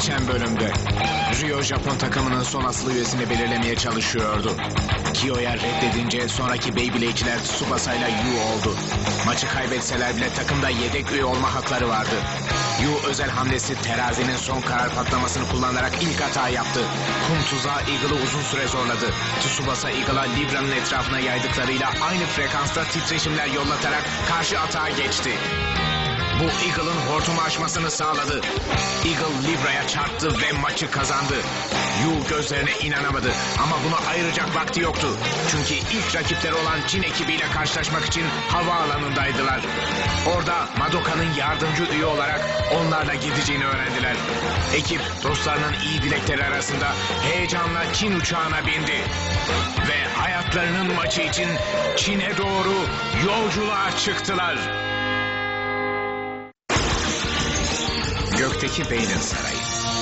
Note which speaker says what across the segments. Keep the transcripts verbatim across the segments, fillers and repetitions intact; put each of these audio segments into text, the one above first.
Speaker 1: Geçen bölümde Rio Japon takımının son asıl üyesini belirlemeye çalışıyordu. Kiyo'ya reddedince sonraki Beyblade'ciler Tsubasa ile Yu oldu. Maçı kaybetseler bile takımda yedek üye olma hakları vardı. Yu özel hamlesi terazinin son karar patlamasını kullanarak ilk hata yaptı. Kum tuzağı Eagle'ı uzun süre zorladı. Tsubasa Eagle'a Libra'nın etrafına yaydıklarıyla aynı frekansta titreşimler yollatarak karşı atağa geçti. Bu Eagle'ın hortumu aşmasını sağladı. Eagle Libra'ya çarptı ve maçı kazandı. Yu gözlerine inanamadı ama buna ayıracak vakti yoktu. Çünkü ilk rakipleri olan Çin ekibiyle karşılaşmak için havaalanındaydılar. Orada Madoka'nın yardımcı üye olarak onlarla gideceğini öğrendiler. Ekip dostlarının iyi dilekleri arasında heyecanla Çin uçağına bindi. Ve hayatlarının maçı için Çin'e doğru yolculuğa çıktılar. Gökteki Beynin Sarayı.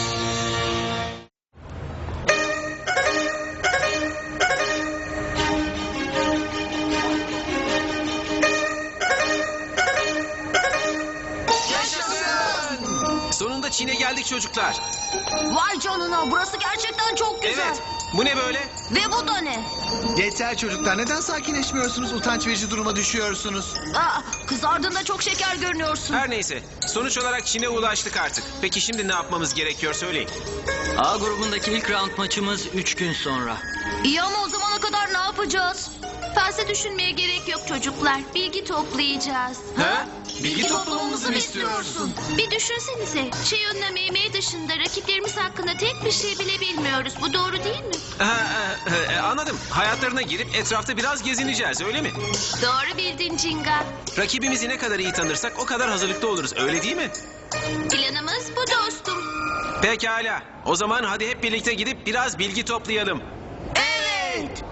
Speaker 2: Sonunda Çin'e geldik çocuklar.
Speaker 3: Vay canına, burası gerçekten çok güzel.
Speaker 2: Evet. Bu ne böyle?
Speaker 3: Ve bu da ne?
Speaker 4: Yeter çocuklar, neden sakinleşmiyorsunuz? Utanç verici duruma düşüyorsunuz.
Speaker 3: Aa, kızardığında çok şeker görünüyorsun.
Speaker 2: Her neyse. Sonuç olarak Çin'e ulaştık artık. Peki şimdi ne yapmamız gerekiyor söyleyin.
Speaker 5: A grubundaki ilk round maçımız üç gün sonra.
Speaker 3: İyi ama o zamana kadar ne yapacağız?
Speaker 6: Fazla düşünmeye gerek yok çocuklar. Bilgi toplayacağız.
Speaker 2: Ha?
Speaker 3: Bilgi toplamamızı mı istiyorsun?
Speaker 6: Bir düşünsenize. Şey önüne meymeyi dışında rakiplerimiz hakkında tek bir şey bile bilmiyoruz. Bu doğru değil mi?
Speaker 2: Ha, e, e, anladım. Hayatlarına girip etrafta biraz gezineceğiz öyle mi?
Speaker 6: Doğru bildin Cinga.
Speaker 2: Rakibimizi ne kadar iyi tanırsak o kadar hazırlıklı oluruz öyle değil mi?
Speaker 6: Planımız bu dostum.
Speaker 2: Pekala. O zaman hadi hep birlikte gidip biraz bilgi toplayalım.
Speaker 3: Evet.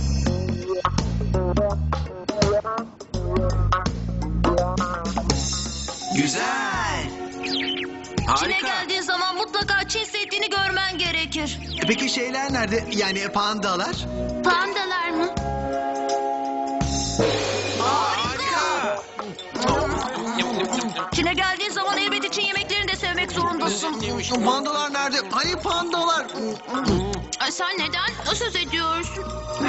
Speaker 2: Güzel.
Speaker 3: Çin'e
Speaker 2: Harika.
Speaker 3: geldiğin zaman mutlaka Çin Seddi'ni görmen gerekir.
Speaker 4: E Peki şeyler nerede? Yani pandalar?
Speaker 6: Pandalar mı?
Speaker 2: Harika.
Speaker 3: Çin'e geldiğin zaman elbette Çin yemeklerini de sevmek zorundasın.
Speaker 4: Pandalar nerede? Hani pandalar?
Speaker 6: Ay, sen neden söz ediyorsun?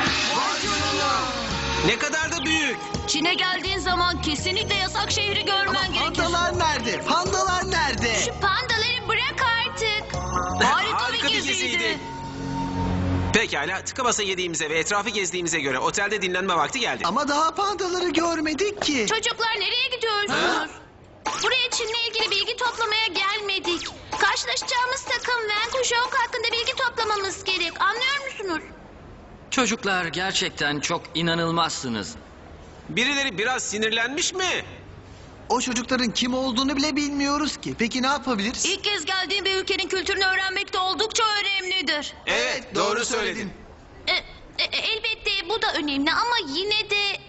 Speaker 2: Ne kadar da büyük.
Speaker 3: Çin'e geldiğin zaman kesinlikle yasak şehri görmen gerekir.
Speaker 4: Pandalar nerede? Pandalar nerede?
Speaker 6: Şu pandaları bırak artık.
Speaker 3: Harika, bir geziydi.
Speaker 2: Pekala, tıka basa yediğimize ve etrafı gezdiğimize göre otelde dinlenme vakti geldi.
Speaker 4: Ama daha pandaları görmedik ki.
Speaker 6: Çocuklar nereye gidiyorsunuz? Buraya Çin'le ilgili bilgi toplamaya gelmedik. Karşılaşacağımız takım Wen Kuzhong hakkında bilgi toplamamız gerek. Anlıyor musunuz?
Speaker 5: Çocuklar gerçekten çok inanılmazsınız.
Speaker 2: Birileri biraz sinirlenmiş mi?
Speaker 4: O çocukların kim olduğunu bile bilmiyoruz ki. Peki ne yapabiliriz?
Speaker 3: İlk kez geldiğin bir ülkenin kültürünü öğrenmek de oldukça önemlidir.
Speaker 2: Evet, doğru söyledin.
Speaker 6: E, e, elbette bu da önemli ama yine de...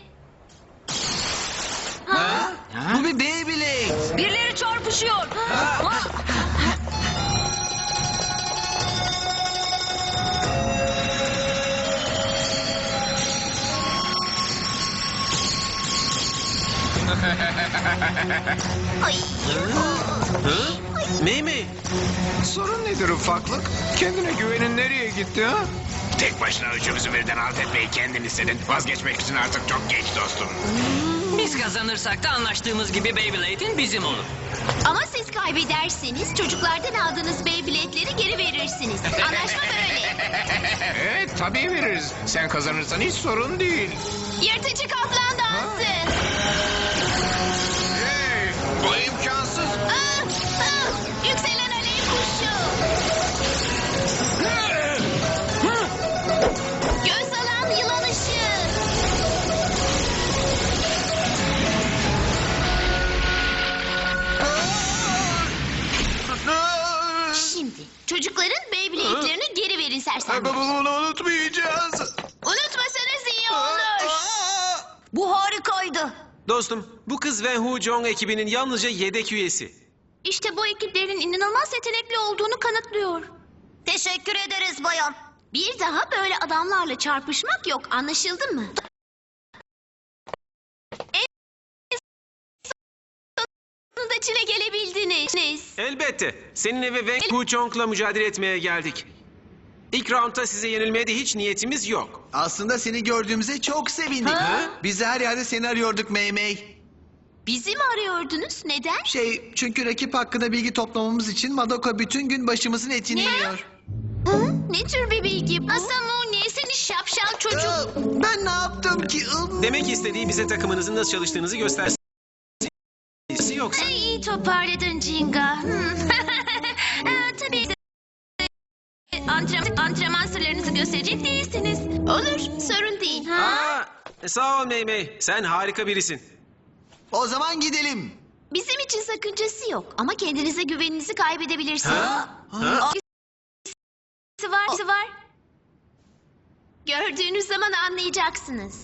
Speaker 6: Ha?
Speaker 4: Bu bir Beyblade.
Speaker 3: Birileri çarpışıyor. Ha?
Speaker 6: Ay.
Speaker 2: Hı? Mimi,
Speaker 1: Sorun nedir ufaklık? Kendine güvenin nereye gitti ha? Tek başına üçümüzü birden alt etmeyi kendin istedin. Vazgeçmek için artık çok geç dostum.
Speaker 5: Biz kazanırsak da anlaştığımız gibi Beyblade'in bizim olur.
Speaker 6: Ama siz kaybederseniz çocuklardan aldığınız Beyblade'leri geri verirsiniz. Anlaşma böyle.
Speaker 1: Evet tabii veririz. Sen kazanırsan hiç sorun değil.
Speaker 6: Yırtıcı kaplan dansı.
Speaker 1: Hey, bu imkansız.
Speaker 6: Ah, ah, yükselen alev kuşu. Göz alan yılan ışığı. Şimdi çocukların Beyblade'lerini geri verin sersemler.
Speaker 4: Bunu unutmayacağız.
Speaker 6: Unutmasanız iyi olur.
Speaker 3: Bu harikaydı.
Speaker 2: dostum, bu kız Wen Hu Jong ekibinin yalnızca yedek üyesi.
Speaker 6: İşte bu ekiplerin inanılmaz yetenekli olduğunu kanıtlıyor.
Speaker 3: Teşekkür ederiz bayan.
Speaker 6: Bir daha böyle adamlarla çarpışmak yok, anlaşıldı mı? En sonunda sonunda Çin'e gelebildiniz.
Speaker 2: Elbette. Seninle ve Wang Hu-chong'la mücadele etmeye geldik. İlk roundda size yenilmeye de hiç niyetimiz yok.
Speaker 4: Aslında seni gördüğümüze çok sevindik.
Speaker 6: Ha?
Speaker 4: Biz de her yerde seni arıyorduk Mei Mei.
Speaker 6: Bizi mi arıyordunuz? Neden?
Speaker 4: Şey, çünkü rakip hakkında bilgi toplamamız için Madoka bütün gün başımızın etini
Speaker 6: Ne?
Speaker 4: yiyor.
Speaker 6: Hı? Ne tür bir bilgi bu? Asamune seni şapşal çocuk.
Speaker 4: Aa, ben ne yaptım ki? Im.
Speaker 2: Demek istediği bize takımınızın nasıl çalıştığınızı göstersin. Yoksa.
Speaker 6: Ay, iyi toparladın Jinga. Hmm. Aa, tabii. Antrenman, antrenman sırlarınızı gösterecek değilsiniz. Olur, sorun değil. Ha?
Speaker 2: Aa, sağ ol Mei Mei. Sen harika birisin.
Speaker 4: O zaman gidelim.
Speaker 6: Bizim için sakıncası yok ama kendinize güveninizi kaybedebilirsiniz.
Speaker 2: Ha? Ha?
Speaker 6: Birisi var, birisi var. Gördüğünüz zaman anlayacaksınız.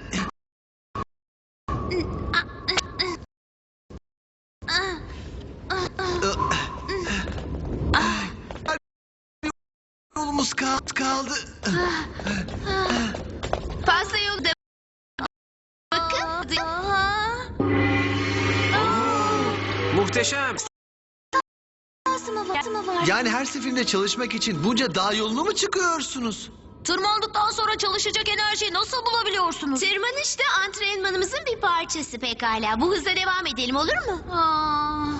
Speaker 4: Yolumuz kaldı. kaldı.
Speaker 6: Fazla yolda. Bakın.
Speaker 2: Muhteşem.
Speaker 6: Mı var? Mı var?
Speaker 4: Yani her seferinde çalışmak için bunca dağ yolunu mu çıkıyorsunuz?
Speaker 3: Tırmandıktan sonra çalışacak enerjiyi nasıl bulabiliyorsunuz?
Speaker 6: Tırmanış da antrenmanımızın bir parçası pekala. Bu hızla devam edelim olur mu?
Speaker 3: Aa,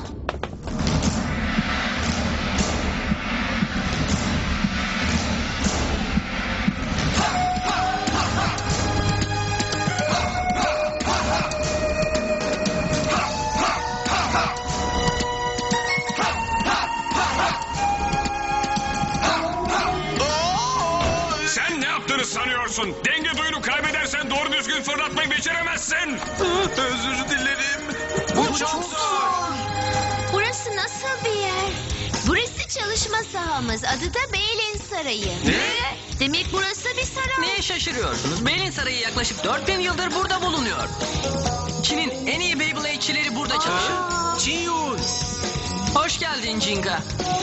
Speaker 7: Sen ne yaptığını sanıyorsun? Denge duyunu kaybedersen doğru düzgün fırlatmayı beceremezsin.
Speaker 2: Özür dilerim. Bu çok zor.
Speaker 6: Burası nasıl bir yer? Burası çalışma sahamız. Adı da Beylin Sarayı.
Speaker 2: Ne?
Speaker 6: Demek burası bir saray.
Speaker 5: Neye şaşırıyorsunuz? Beylin Sarayı yaklaşık dört bin yıldır burada bulunuyor. Çin'in en iyi Beyblade'çileri burada çalışır.
Speaker 2: Chiyun.
Speaker 5: Hoş geldin Jinga.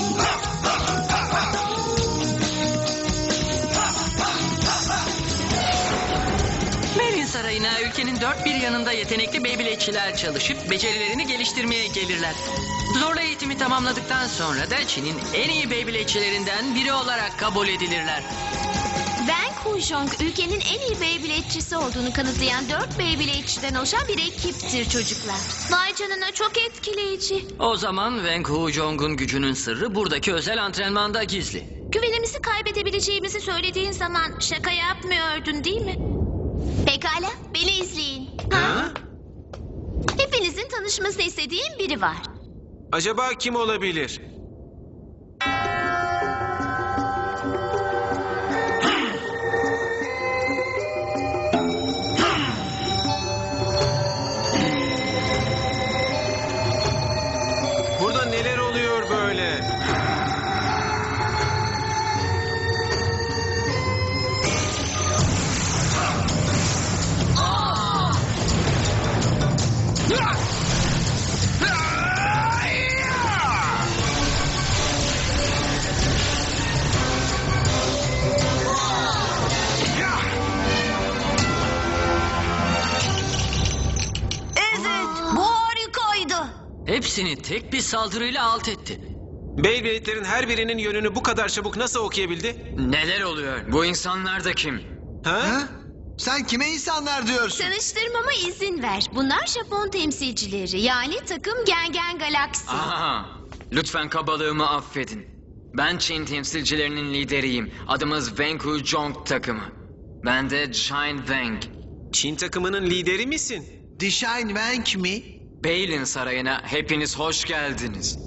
Speaker 5: Beylin Sarayı'na ülkenin dört bir yanında yetenekli Beyblade'çiler çalışıp becerilerini geliştirmeye gelirler. Zorlu eğitimi tamamladıktan sonra da Çin'in en iyi Beyblade'çilerinden biri olarak kabul edilirler.
Speaker 6: Wang Hu-jong ülkenin en iyi Beyblade'çisi olduğunu kanıtlayan dört Beyblade'çiden oluşan bir ekiptir çocuklar. Vay canına çok etkileyici.
Speaker 5: O zaman Wang Hu-jong'un gücünün sırrı buradaki özel antrenmanda gizli.
Speaker 6: Güvenimizi kaybedebileceğimizi söylediğin zaman şaka yapmıyordun değil mi? Pekala, beni izleyin.
Speaker 2: Ha?
Speaker 6: Hepinizin tanışmasını istediğim biri var.
Speaker 2: Acaba kim olabilir? Burada neler oluyor böyle?
Speaker 3: evet, bu harikaydı.
Speaker 5: Hepsini tek bir saldırıyla alt etti.
Speaker 2: Beyblade'lerin her birinin yönünü bu kadar çabuk nasıl okuyabildi?
Speaker 5: Neler oluyor? Bu insanlar da kim?
Speaker 2: Ha?
Speaker 4: Ha? Sen kime insanlar diyorsun?
Speaker 6: Tanıştırmama izin ver. Bunlar Japon temsilcileri. Yani takım Gengen Galaksi.
Speaker 8: Aha, lütfen kabalığımı affedin. Ben Çin temsilcilerinin lideriyim. Adımız Wang Hu-jong takımı. Ben de Shine Wang.
Speaker 2: Çin takımının lideri misin?
Speaker 4: Dishine Wang mi?
Speaker 8: Beylin Sarayı'na hepiniz hoş geldiniz.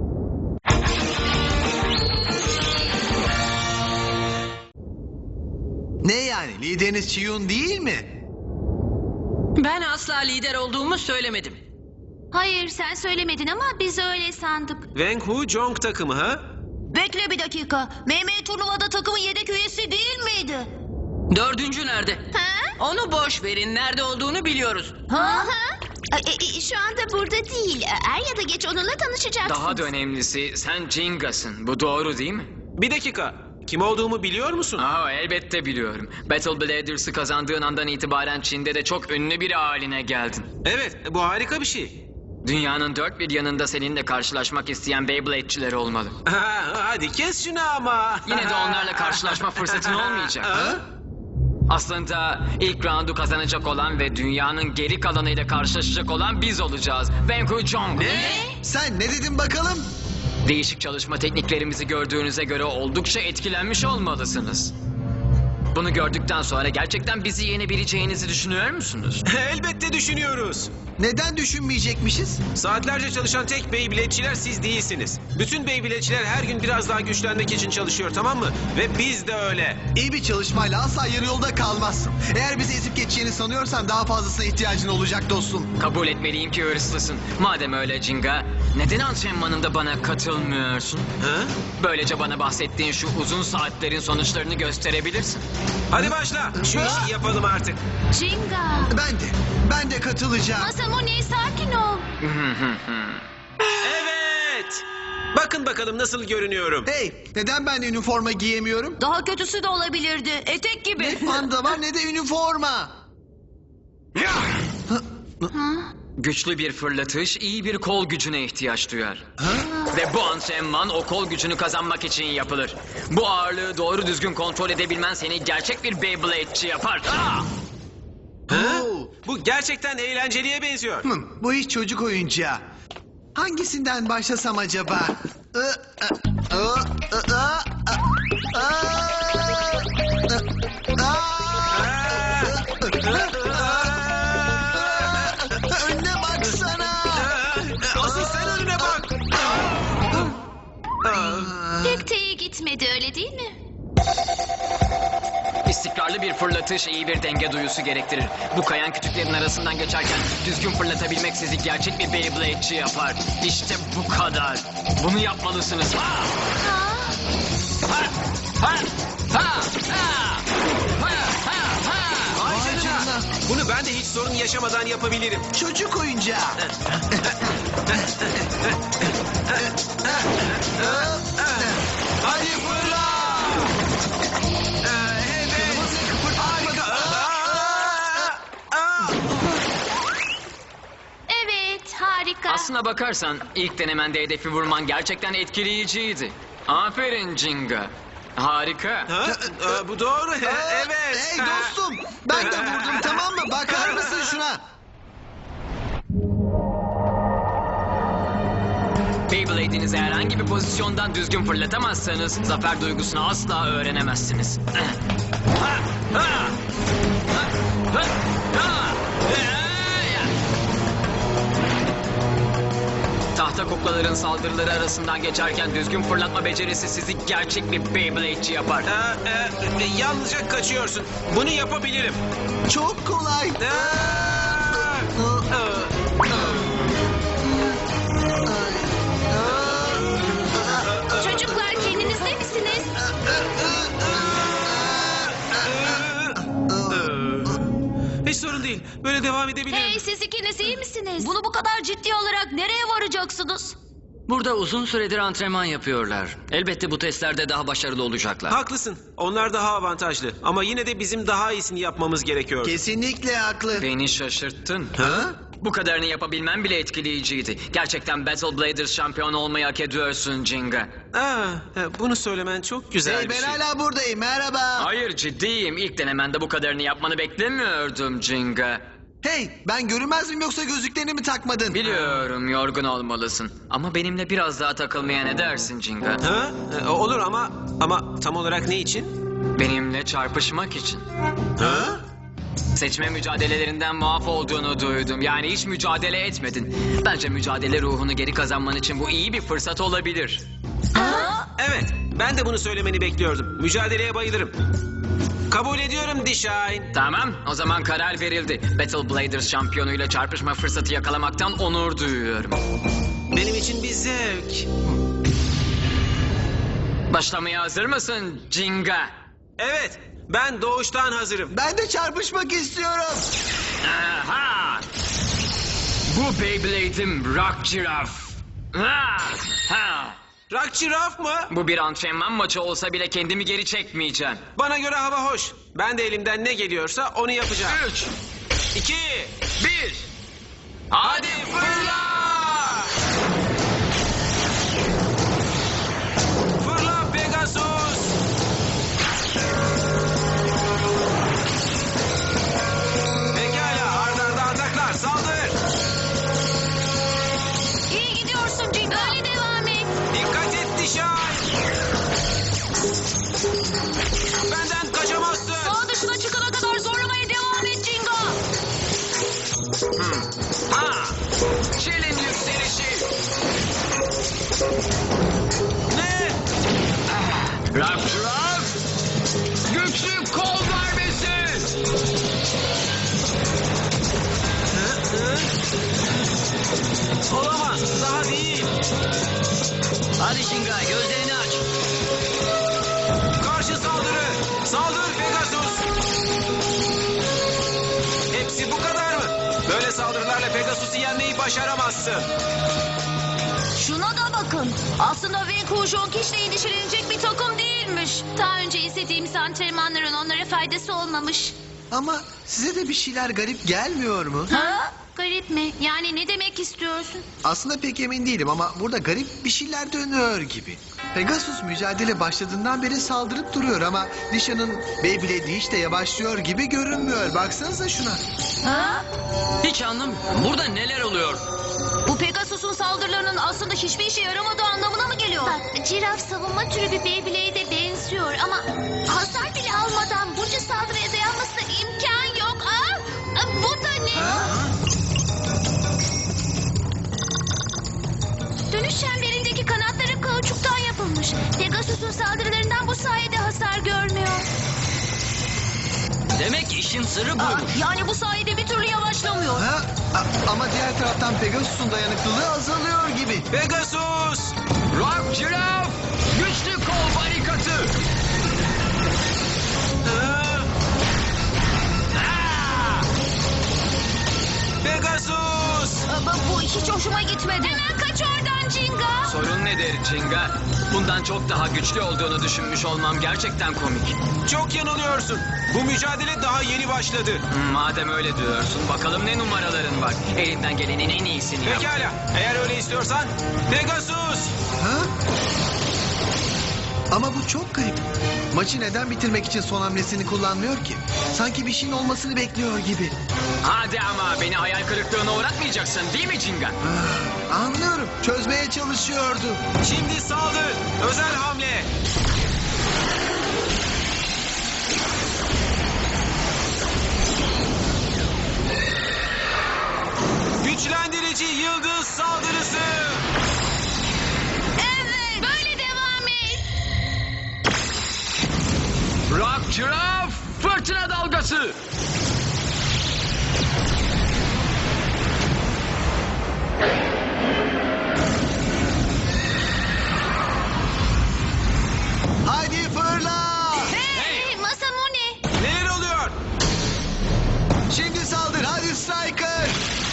Speaker 4: Ne yani? Lideriniz Chiyun değil mi?
Speaker 5: Ben asla lider olduğumu söylemedim.
Speaker 6: Hayır sen söylemedin ama biz öyle sandık.
Speaker 2: Wang Hu-jong takımı ha?
Speaker 3: Bekle bir dakika. Mehmet turnuvada takımın yedek üyesi değil miydi?
Speaker 5: Dördüncü nerede?
Speaker 6: Ha?
Speaker 5: Onu boş verin. Nerede olduğunu biliyoruz.
Speaker 6: Ha? E, e, şu anda burada değil. Er ya da geç onunla tanışacaksınız.
Speaker 8: Daha da önemlisi sen Jinga'sın. Bu doğru değil mi?
Speaker 2: Bir dakika. Kim olduğumu biliyor musun?
Speaker 8: Aa, elbette biliyorum. Battle Bladers'ı kazandığın andan itibaren Çin'de de çok ünlü biri haline geldin.
Speaker 2: Evet, bu harika bir şey.
Speaker 8: Dünyanın dört bir yanında seninle karşılaşmak isteyen Beyblade'çiler olmalı.
Speaker 2: Ha, hadi kes şunu ama.
Speaker 8: Yine de onlarla karşılaşma fırsatın olmayacak.
Speaker 2: Ha?
Speaker 8: Aslında ilk roundu kazanacak olan ve dünyanın geri kalanıyla karşılaşacak olan biz olacağız. Wenku Jong.
Speaker 4: Sen ne dedin bakalım?
Speaker 8: Değişik çalışma tekniklerimizi gördüğünüze göre oldukça etkilenmiş olmalısınız. Bunu gördükten sonra gerçekten bizi yenebileceğinizi düşünüyor musunuz?
Speaker 2: Elbette düşünüyoruz.
Speaker 4: Neden düşünmeyecekmişiz?
Speaker 2: Saatlerce çalışan tek Beyblade'çiler siz değilsiniz. Bütün Beyblade'çiler her gün biraz daha güçlenmek için çalışıyor, tamam mı? Ve biz de öyle.
Speaker 4: İyi bir çalışmayla asla yarı yolda kalmazsın. Eğer bizi ezip geçeceğini sanıyorsan daha fazlasına ihtiyacın olacak dostum.
Speaker 8: Kabul etmeliyim ki hırslısın. Madem öyle Jinga, neden antrenmanında bana katılmıyorsun?
Speaker 2: Ha?
Speaker 8: Böylece bana bahsettiğin şu uzun saatlerin sonuçlarını gösterebilirsin.
Speaker 2: Hadi başla. Şu işi yapalım artık.
Speaker 6: Jinga.
Speaker 4: Ben de, ben de katılacağım.
Speaker 6: Masamune sakin ol.
Speaker 2: Evet. Bakın bakalım nasıl görünüyorum.
Speaker 4: Hey, neden ben üniforma giyemiyorum?
Speaker 3: Daha kötüsü de olabilirdi. Etek gibi.
Speaker 4: Ne panda var ne de üniforma.
Speaker 8: Güçlü bir fırlatış, iyi bir kol gücüne ihtiyaç duyar. Ve bu antrenman o kol gücünü kazanmak için yapılır. Bu ağırlığı doğru düzgün kontrol edebilmen seni gerçek bir Beyblade'çi yapar. Ah!
Speaker 2: Ha?
Speaker 4: Oo.
Speaker 2: Bu gerçekten eğlenceliye benziyor.
Speaker 4: Hmm, bu iş çocuk oyuncağı. Hangisinden başlasam acaba? Ee, e, e, e, e, e, e, Önüne baksana.
Speaker 2: Asıl sen önüne bak.
Speaker 6: Pek de iyi gitmedi öyle değil mi?
Speaker 8: İstikrarlı bir fırlatış iyi bir denge duyusu gerektirir. Bu kayan kütüklerin arasından geçerken düzgün fırlatabilmek sizi gerçek bir Beyblade'çi yapar. İşte bu kadar. Bunu yapmalısınız. Ha! Ha! Ha! Ha! Ha! Ha! Ha! Ha!
Speaker 2: Vay
Speaker 4: Vay
Speaker 2: canına.
Speaker 4: canına.
Speaker 2: Bunu ben de hiç sorun yaşamadan yapabilirim.
Speaker 4: Çocuk oyuncağı.
Speaker 2: Hadi fırla.
Speaker 4: Kırmızı kıpırdatmadı.
Speaker 6: Evet harika.
Speaker 8: Aslına bakarsan ilk denemende hedefi vurman gerçekten etkileyiciydi. Aferin Jinga. Harika.
Speaker 2: Ha? Aa, bu doğru. Evet.
Speaker 4: Hey dostum, ben de vurdum tamam mı? Bakar mısın şuna?
Speaker 8: Beyblade'inizi herhangi bir pozisyondan düzgün fırlatamazsanız zafer duygusunu asla öğrenemezsiniz. Ha! Ha! Ha! Ha! Ha! Tahta kuklaların saldırıları arasından geçerken düzgün fırlatma becerisi sizi gerçek bir Beyblade'çi yapar.
Speaker 2: Aa, e, e, yalnızca kaçıyorsun. Bunu yapabilirim.
Speaker 4: Çok kolay.
Speaker 2: Aa! Aa!
Speaker 6: Çocuklar kendinizde misiniz?
Speaker 2: Hiç sorun değil. Böyle devam edebilirim.
Speaker 6: Hey siz ikiniz iyi misiniz?
Speaker 3: Bunu bu kadar ciddi alarak nereye varacaksınız?
Speaker 5: Burada uzun süredir antrenman yapıyorlar. Elbette bu testlerde daha başarılı olacaklar.
Speaker 2: Haklısın. Onlar daha avantajlı. Ama yine de bizim daha iyisini yapmamız gerekiyor.
Speaker 4: Kesinlikle haklı.
Speaker 8: Beni şaşırttın.
Speaker 2: Ha?
Speaker 8: Bu kadarını yapabilmem bile etkileyiciydi. Gerçekten Battle Bladers şampiyonu olmayı hak ediyorsun Jinga.
Speaker 2: Aa, e, bunu söylemen çok güzel
Speaker 4: Hey
Speaker 2: bir
Speaker 4: ben
Speaker 2: şey.
Speaker 4: hala buradayım merhaba.
Speaker 8: Hayır ciddiyim. İlk denemende bu kadarını yapmanı beklemiyordum Jinga.
Speaker 4: Hey ben görünmez miyim yoksa gözlüklerini mi takmadın?
Speaker 8: Biliyorum yorgun olmalısın. Ama benimle biraz daha takılmaya ne dersin Jinga?
Speaker 2: Ha? E, olur ama ama tam olarak ne için?
Speaker 8: Benimle çarpışmak için.
Speaker 2: Ha?
Speaker 8: Seçme mücadelelerinden muaf olduğunu duydum. Yani hiç mücadele etmedin. Bence mücadele ruhunu geri kazanman için bu iyi bir fırsat olabilir.
Speaker 2: Evet. Ben de bunu söylemeni bekliyordum. Mücadeleye bayılırım. Kabul ediyorum Dishine.
Speaker 8: Tamam, o zaman karar verildi. Battle Bladers şampiyonuyla çarpışma fırsatı yakalamaktan onur duyuyorum.
Speaker 2: Benim için bir zevk.
Speaker 8: Başlamaya hazır mısın Jinga?
Speaker 2: Evet. Ben doğuştan hazırım.
Speaker 4: Ben de çarpışmak istiyorum.
Speaker 8: Aha! Bu Beyblade'im Rock Giraffe. Ha! Ha!
Speaker 2: Rock Giraffe mı?
Speaker 8: Bu bir antrenman maçı olsa bile kendimi geri çekmeyeceğim.
Speaker 2: Bana göre hava hoş. Ben de elimden ne geliyorsa onu yapacağım.
Speaker 8: Üç,
Speaker 2: İki.
Speaker 8: bir, hadi fırla!
Speaker 2: Olamaz. Daha değil.
Speaker 5: Hadi Jinga, gözlerini aç.
Speaker 2: Karşı saldırı. Saldır Pegasus. Hepsi bu kadar mı? Böyle saldırılarla Pegasus'u yenmeyi başaramazsın.
Speaker 3: Şuna da bakın. Aslında Vancouver hiç de endişelenecek bir takım değilmiş.
Speaker 6: Daha önce izlediğimiz antrenmanların onlara faydası olmamış.
Speaker 4: Ama size de bir şeyler garip gelmiyor mu?
Speaker 3: Ha?
Speaker 6: Garip mi? Yani ne demek istiyorsun?
Speaker 4: Aslında pek emin değilim ama burada garip bir şeyler dönüyor gibi. Pegasus mücadele başladığından beri saldırıp duruyor ama Disha'nın Beyblade'i hiç de yavaşlıyor gibi görünmüyor. Baksanıza şuna.
Speaker 3: Ha?
Speaker 5: Hiç anlamıyorum. Burada neler oluyor?
Speaker 3: Bu Pegasus'un saldırılarının aslında hiçbir işe yaramadığı anlamına mı geliyor?
Speaker 6: Bak, ciraf savunma türü bir Beyblade'e benziyor ama hasar bile almadan bunca saldırıya dayanmasına imkan yok. Aa, aa, bu da ne? Dönüş çemberindeki kanatları kauçuktan yapılmış. Pegasus'un saldırılarından bu sayede hasar görmüyor.
Speaker 5: Demek işin sırrı
Speaker 3: Aa,
Speaker 5: buymuş.
Speaker 3: yani bu sayede bir türlü yavaşlamıyor.
Speaker 4: Ha? A- ama diğer taraftan Pegasus'un dayanıklılığı azalıyor gibi.
Speaker 2: Pegasus!
Speaker 8: Rock Giraffe! Güçlü kol barikatı!
Speaker 2: Aa! Aa! Pegasus!
Speaker 3: Ama bu hiç hoşuma gitmedi.
Speaker 6: Hemen kaç oradan Jinga.
Speaker 8: Sorun nedir Jinga? Bundan çok daha güçlü olduğunu düşünmüş olmam gerçekten komik.
Speaker 2: Çok yanılıyorsun. Bu mücadele daha yeni başladı.
Speaker 8: Hmm, Madem öyle diyorsun, bakalım ne numaraların var. Elinden gelenin en iyisini yap.
Speaker 2: Pekala. Eğer öyle istiyorsan Pegasus!
Speaker 4: Ha? Ama bu çok garip. Maçı neden bitirmek için son hamlesini kullanmıyor ki? Sanki bir şeyin olmasını bekliyor gibi.
Speaker 8: Hadi ama beni hayal kırıklığına uğratmayacaksın değil mi Jinga?
Speaker 4: Ah, anlıyorum. Çözmeye çalışıyordu.
Speaker 2: Şimdi saldır. Özel hamle. Güçlendirici yıldız saldırısı.
Speaker 6: Evet. Böyle devam et.
Speaker 8: Rock Giraffe! Fırtına dalgası!
Speaker 4: Hadi fırla!
Speaker 6: Hey, Masamune.
Speaker 2: Neler oluyor?
Speaker 4: Şimdi saldır. Hadi Striker!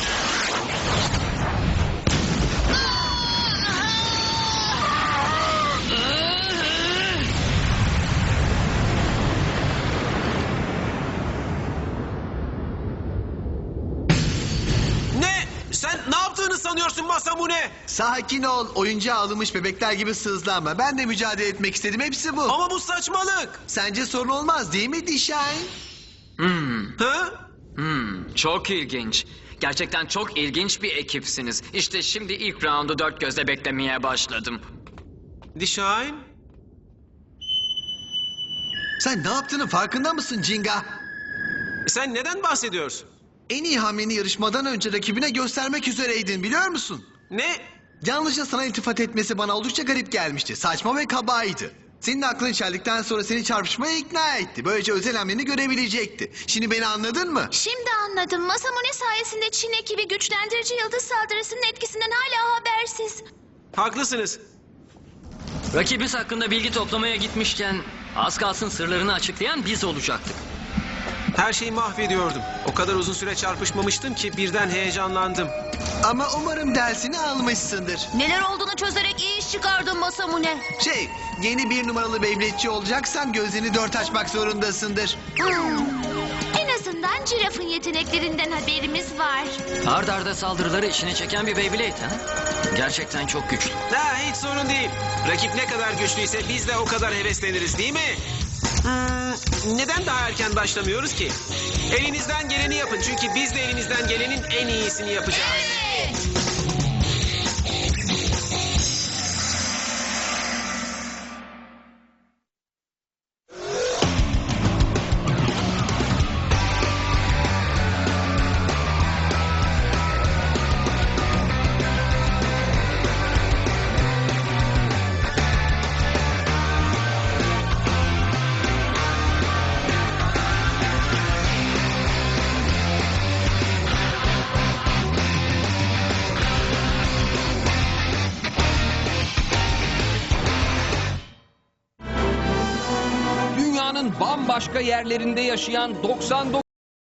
Speaker 2: Ne? Sen ne yaptığını sanıyorsun Masamune?
Speaker 4: Sakin ol. Oyuncağa alınmış bebekler gibi sızlanma. Ben de mücadele etmek istedim. Hepsi bu.
Speaker 2: Ama bu saçmalık.
Speaker 4: Sence sorun olmaz değil mi Dishine?
Speaker 8: Hmm,
Speaker 2: Ha?
Speaker 8: hmm, çok ilginç. Gerçekten çok ilginç bir ekipsiniz. İşte şimdi ilk roundu dört gözle beklemeye başladım.
Speaker 2: Dishine?
Speaker 4: Sen ne yaptığının farkında mısın Jinga?
Speaker 2: Sen neden bahsediyorsun?
Speaker 4: En iyi hamleni yarışmadan önce rakibine göstermek üzereydin biliyor musun?
Speaker 2: Ne?
Speaker 4: Yalnızca sana iltifat etmesi bana oldukça garip gelmişti. Saçma ve kabaydı. Senin aklın çeldikten sonra seni çarpışmaya ikna etti. Böylece özel hamleni görebilecekti. Şimdi beni anladın mı?
Speaker 6: Şimdi anladım. Masamune sayesinde Çin ekibi güçlendirici yıldız saldırısının etkisinden hala habersiz.
Speaker 2: Haklısınız.
Speaker 5: Rakibimiz hakkında bilgi toplamaya gitmişken az kalsın sırlarını açıklayan biz olacaktık.
Speaker 2: Her şeyi mahvediyordum. O kadar uzun süre çarpışmamıştım ki birden heyecanlandım.
Speaker 4: Ama umarım dersini almışsındır.
Speaker 3: Neler olduğunu çözerek iyi iş çıkardın Masamune.
Speaker 4: Şey, yeni bir numaralı Beyblade'çi olacaksan gözlerini dört açmak zorundasındır.
Speaker 6: En azından cirafın yeteneklerinden haberimiz var.
Speaker 5: Ard arda saldırıları içine çeken bir Beyblade ha? Gerçekten çok güçlü.
Speaker 2: Ha, hiç sorun değil. Rakip ne kadar güçlüyse biz de o kadar hevesleniriz değil mi? Hmm, neden daha erken başlamıyoruz ki? Elinizden geleni yapın çünkü biz de elimizden gelenin en iyisini yapacağız.
Speaker 9: bambaşka yerlerinde yaşayan doksan dokuz